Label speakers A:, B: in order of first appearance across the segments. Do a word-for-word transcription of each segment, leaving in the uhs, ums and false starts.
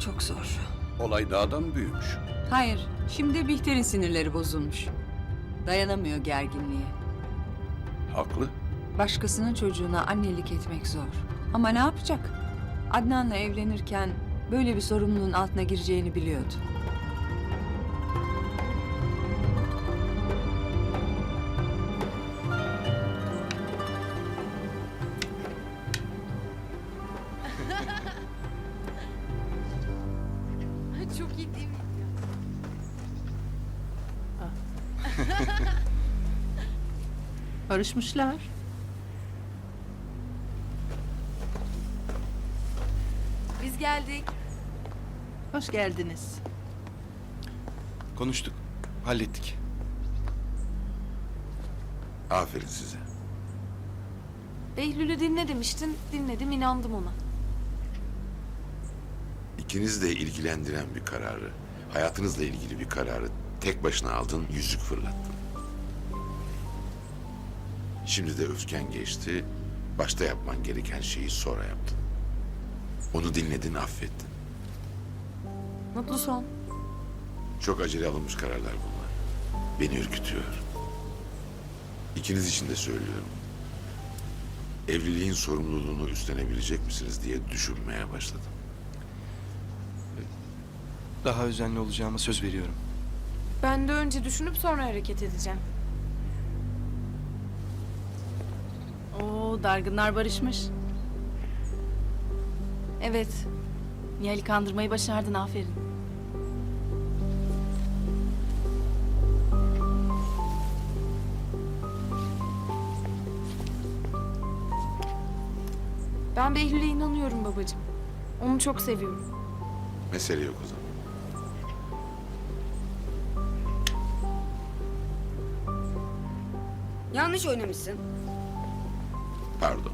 A: çok zor.
B: Olay daha da mı büyümüş?
A: Hayır, şimdi Bihter'in sinirleri bozulmuş. Dayanamıyor gerginliğe.
B: Haklı.
A: Başkasının çocuğuna annelik etmek zor. Ama ne yapacak? Adnan'la evlenirken böyle bir sorumluluğun altına gireceğini biliyordu.
C: Çok iyi değil mi?
D: Barışmışlar.
C: Biz geldik.
D: Hoş geldiniz.
E: Konuştuk, hallettik.
F: Aferin size.
C: Behlül'ü dinle demiştin. Dinledim, inandım ona.
F: İkiniz de ilgilendiren bir kararı, hayatınızla ilgili bir kararı tek başına aldın, yüzük fırlattın. Şimdi de öfken geçti, başta yapman gereken şeyi sonra yaptın. Onu dinledin, affettin.
C: Mutlu son.
F: Çok acele alınmış kararlar bunlar. Beni ürkütüyor. İkiniz için de söylüyorum. Evliliğin sorumluluğunu üstlenebilecek misiniz diye düşünmeye başladım.
E: Daha özenli olacağıma söz veriyorum.
C: Ben de önce düşünüp sonra hareket edeceğim.
D: Oo, dargınlar barışmış.
C: Evet.
D: Nihal'i kandırmayı başardın, aferin.
C: Ben Behlül'e inanıyorum babacığım. Onu çok seviyorum.
F: Mesele yok o zaman.
G: Yanlış oynamışsın.
F: Pardon.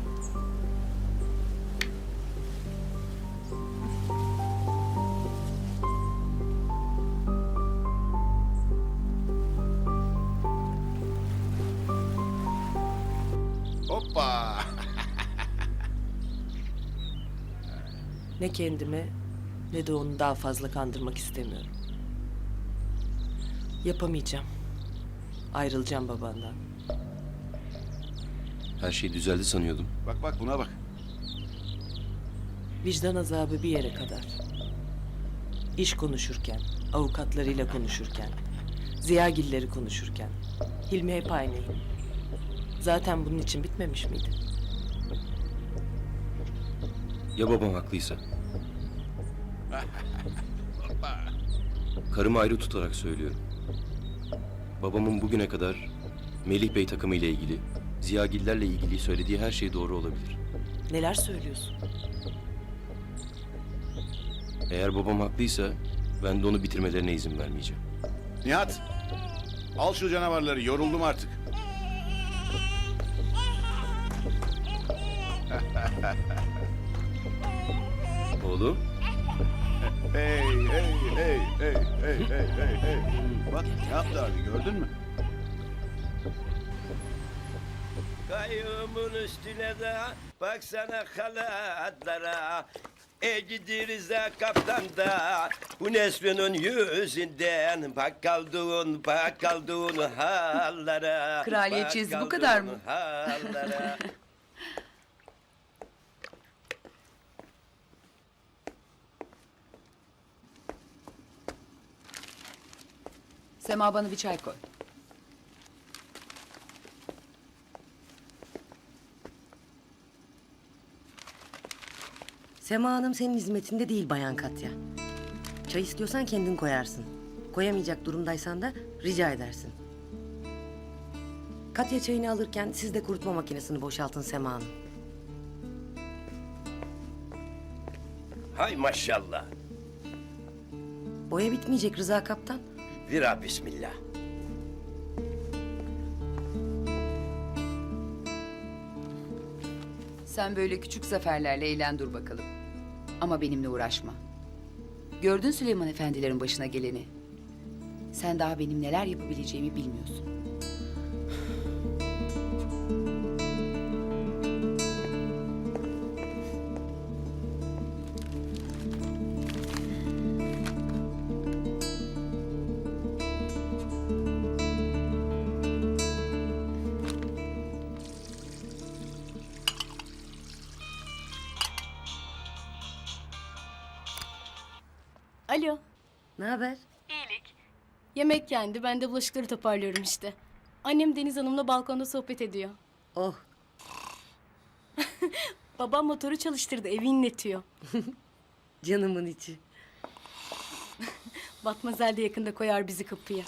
B: Hoppa!
H: Ne kendimi ne de onu daha fazla kandırmak istemiyorum. Yapamayacağım. Ayrılacağım babandan.
I: Her şey düzeldi sanıyordum.
B: Bak bak buna bak.
H: Vicdan azabı bir yere kadar. İş konuşurken, avukatlarıyla konuşurken, Ziyagilleri konuşurken. Hilmi hep aynıydı. Zaten bunun için bitmemiş miydi?
I: Ya babam haklıysa? Karımı ayrı tutarak söylüyorum. Babamın bugüne kadar Melih Bey takımı ile ilgili, Ziyagillerle ilgili söylediği her şey doğru olabilir.
H: Neler söylüyorsun?
I: Eğer babam haklıysa ben de onu bitirmelerine izin vermeyeceğim.
B: Nihat! Al şu canavarları, yoruldum artık.
I: Oğlum,
B: Hey, hey, hey, hey, hey, hey, hey, hey. Bak ne yaptı abi, gördün mü?
J: Kayığımın üstüne de baksana halatlara. E gidirize kaptan da bu Nesrin'in yüzünden bak kaldığın bak kaldığın hallara.
A: Kraliyetçiyiz,
J: bak
A: bu kadar mı?
J: kaldığın hallara.
A: Sema, bana bir çay koy.
G: Sema Hanım senin hizmetinde değil Bayan Katya. Çay istiyorsan kendin koyarsın. Koyamayacak durumdaysan da rica edersin. Katya çayını alırken siz de kurutma makinesini boşaltın Sema Hanım.
J: Hay maşallah.
G: Boya bitmeyecek Rıza Kaptan.
J: Vira bismillah.
A: Sen böyle küçük zaferlerle eğlen dur bakalım. Ama benimle uğraşma. Gördün Süleyman efendilerin başına geleni. Sen daha benim neler yapabileceğimi bilmiyorsun.
K: Alo.
G: Ne haber?
K: Yemek yendi. Ben de bulaşıkları toparlıyorum işte. Annem Deniz Hanım'la balkonda sohbet ediyor.
G: Oh,
K: Babam motoru çalıştırdı. Evi inletiyor.
G: canımın içi.
K: Batmazel de yakında koyar bizi kapıya.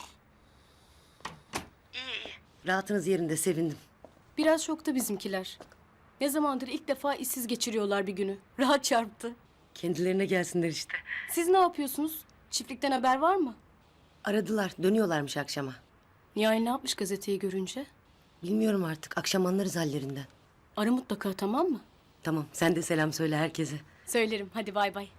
G: Rahatınız yerinde, sevindim.
K: Biraz şokta bizimkiler. Ne zamandır ilk defa işsiz geçiriyorlar bir günü. Rahat çarptı.
G: Kendilerine gelsinler işte.
K: Siz ne yapıyorsunuz? Çiftlikten haber var mı?
G: Aradılar, dönüyorlarmış akşama.
K: Nihal ne yapmış gazeteyi görünce?
G: Bilmiyorum artık, akşam anlarız hallerinden.
K: Ara mutlaka, tamam mı?
G: Tamam, sen de selam söyle herkese.
K: Söylerim. Hadi bay bay.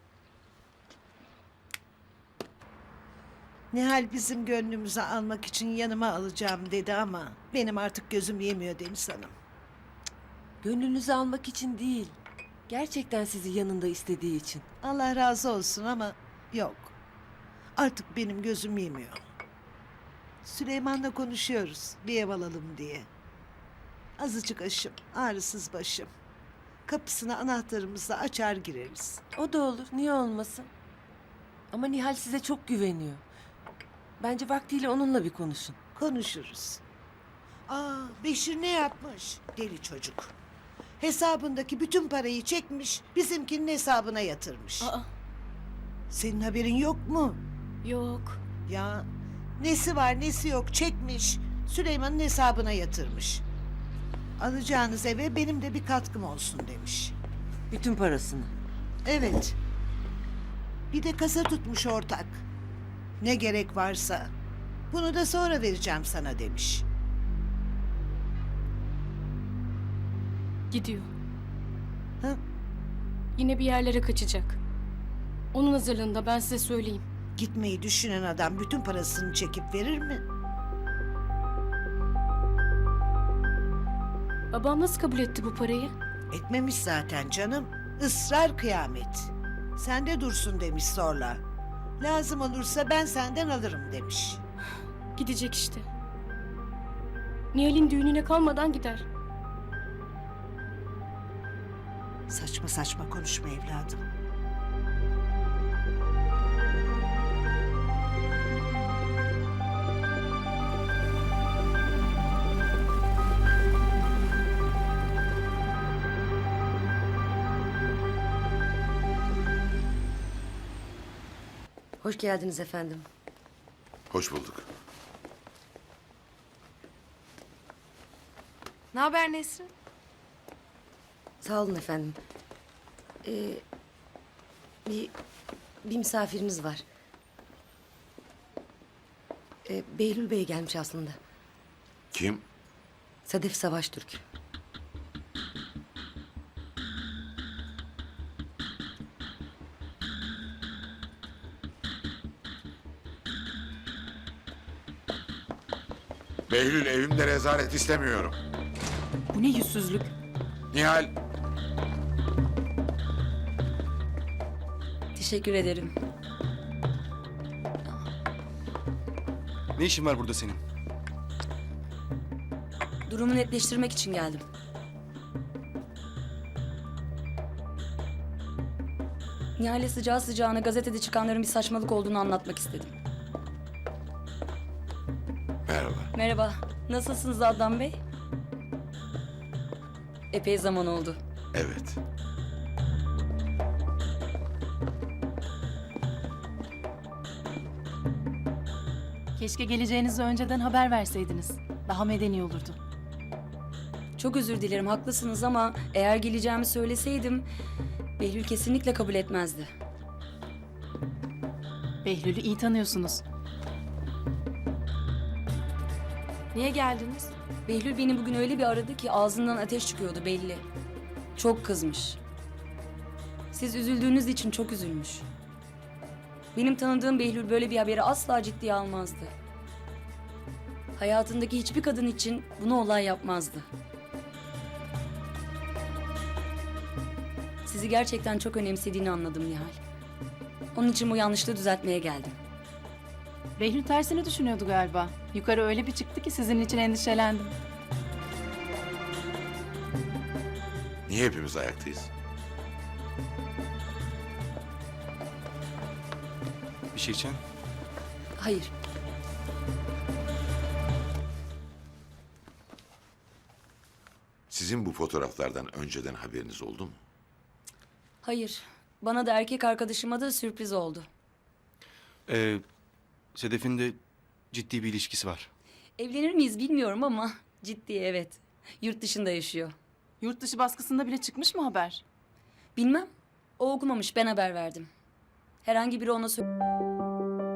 L: Nihal bizim gönlümüzü almak için yanıma alacağım dedi ama benim artık gözüm yemiyor Deniz Hanım.
M: Gönlünüzü almak için değil. Gerçekten sizi yanında istediği için.
L: Allah razı olsun ama yok. Artık benim gözüm yemiyor. Süleyman'la konuşuyoruz bir ev alalım diye. Azıcık aşım, ağrısız başım. Kapısına anahtarımızla açar gireriz.
M: O da olur, niye olmasın? Ama Nihal size çok güveniyor. Bence vaktiyle onunla bir konuşun.
L: Konuşuruz. Aa, Beşir ne yapmış? Deli çocuk. Hesabındaki bütün parayı çekmiş, bizimkinin hesabına yatırmış.
K: Aa,
L: Senin haberin yok mu?
K: yok.
L: Ya nesi var nesi yok çekmiş, Süleyman'ın hesabına yatırmış. Alacağınız eve benim de bir katkım olsun demiş.
M: Bütün parasını.
L: Evet. Bir de kasa tutmuş ortak. Ne gerek varsa. Bunu da sonra vereceğim sana demiş.
K: Gidiyor.
L: Ha?
K: Yine bir yerlere kaçacak. Onun hazırlığında, ben size söyleyeyim.
L: Gitmeyi düşünen adam bütün parasını çekip verir mi?
K: Babam nasıl kabul etti bu parayı?
L: Etmemiş zaten canım. Israr kıyamet. Sende dursun demiş zorla. Lazım olursa ben senden alırım demiş.
K: Gidecek işte. Nihal'in düğününe kalmadan gider.
L: Saçma saçma konuşma evladım.
G: Hoş geldiniz efendim.
F: Hoş bulduk.
C: Ne haber Nesrin?
G: Sağ olun efendim. Ee, bir, bir misafiriniz var. Ee, Behlül Bey gelmiş aslında.
F: Kim?
G: Sedef Savaştürk.
F: Behlül evimde rezalet istemiyorum.
D: Bu ne yüzsüzlük?
F: Nihal,
A: Teşekkür ederim.
E: Ne işin var burada senin?
A: Durumu netleştirmek için geldim. Nihal'e sıcağı sıcağına gazetede çıkanların bir saçmalık olduğunu anlatmak istedim.
F: merhaba.
A: Merhaba, nasılsınız Adnan Bey? Epey zaman oldu.
F: Evet.
D: Keşke geleceğinizi önceden haber verseydiniz. Daha medeni olurdu.
A: Çok özür dilerim, haklısınız ama eğer geleceğimi söyleseydim Behlül kesinlikle kabul etmezdi.
D: Behlül'ü iyi tanıyorsunuz.
K: Niye geldiniz?
A: Behlül beni bugün öyle bir aradı ki ağzından ateş çıkıyordu belli. Çok kızmış. Siz üzüldüğünüz için çok üzülmüş. Benim tanıdığım Behlül böyle bir haberi asla ciddiye almazdı. Hayatındaki hiçbir kadın için bunu olay yapmazdı. Sizi gerçekten çok önemsediğini anladım Nihal. Onun için bu yanlışlığı düzeltmeye geldim.
D: Behlül tersini düşünüyordu galiba. Yukarı öyle bir çıktı ki sizin için endişelendim.
F: Niye hepimiz ayaktayız?
E: Bir şey içen?
A: Hayır.
F: Sizin bu fotoğraflardan önceden haberiniz oldu mu?
A: Hayır. Bana da erkek arkadaşıma da sürpriz oldu.
E: Ee, Sedef'in de ciddi bir ilişkisi var.
A: Evlenir miyiz bilmiyorum ama ciddi evet. Yurt dışında yaşıyor.
D: Yurt dışı baskısında bile çıkmış mı haber?
A: Bilmem. O okumamış, ben haber verdim. Herhangi biri ona sö-